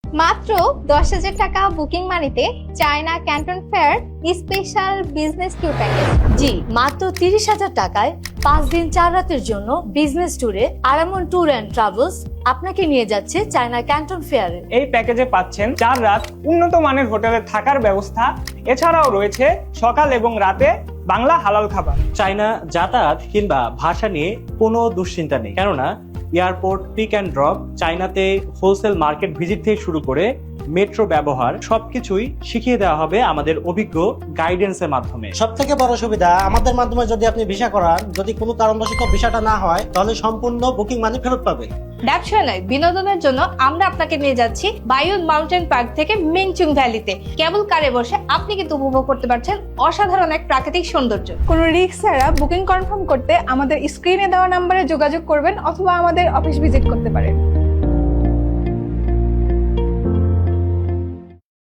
মাত্র 10,000 টাকা বুকিং মানিতে China Canton fair special business tour package. জি, মাত্র 30,000 টাকায় 5 দিন 4 রাতের জন্য বিজনেস ট্যুরে আরামন ট্যুর অ্যান্ড ট্রাভেলস আপনাকে নিয়ে যাচ্ছে চায়না ক্যান্টন ফেয়ারে। এই প্যাকেজে পাচ্ছেন 4 রাত উন্নত মানের হোটেলে থাকার ব্যবস্থা, এছাড়াও রয়েছে সকাল এবং রাতে বাংলা হালাল খাবার। চায়না যাতায়াত কিংবা ভাষা নিয়ে কোনো দুশ্চিন্তা নেই, কেননা এয়ারপোর্ট, পিক অ্যান্ড ড্রপ, চায়নাতে হোলসেল মার্কেট ভিজিট থেকে শুরু করে মেট্রো ব্যবহার সবকিছুই শিখিয়ে দেওয়া হবে আমাদের অভিজ্ঞ গাইডেন্সের মাধ্যমে। সব থেকে বড় সুবিধা, আমাদের মাধ্যমে যদি আপনি ভিসা করান, যদি কোনো কারণবশত ভিসাটা না হয়, তাহলে সম্পূর্ণ বুকিং মানি ফেরত পাবে। ব্যবসা নয়, বিনোদনের জন্য আমরা আপনাকে নিয়ে যাচ্ছি বায়ুন মাউন্টেন পার্ক থেকে মিংচুং ভ্যালিতে। কেবল কারে বসে আপনি কিন্তু উপভোগ করতে পারছেন অসাধারণ এক প্রাকৃতিক সৌন্দর্য। কোনো রিস্ক ছাড়া বুকিং কনফার্ম করতে আমাদের স্ক্রিনে দেওয়া নম্বরে যোগাযোগ করবেন অথবা আমাদের অফিস ভিজিট করতে পারেন।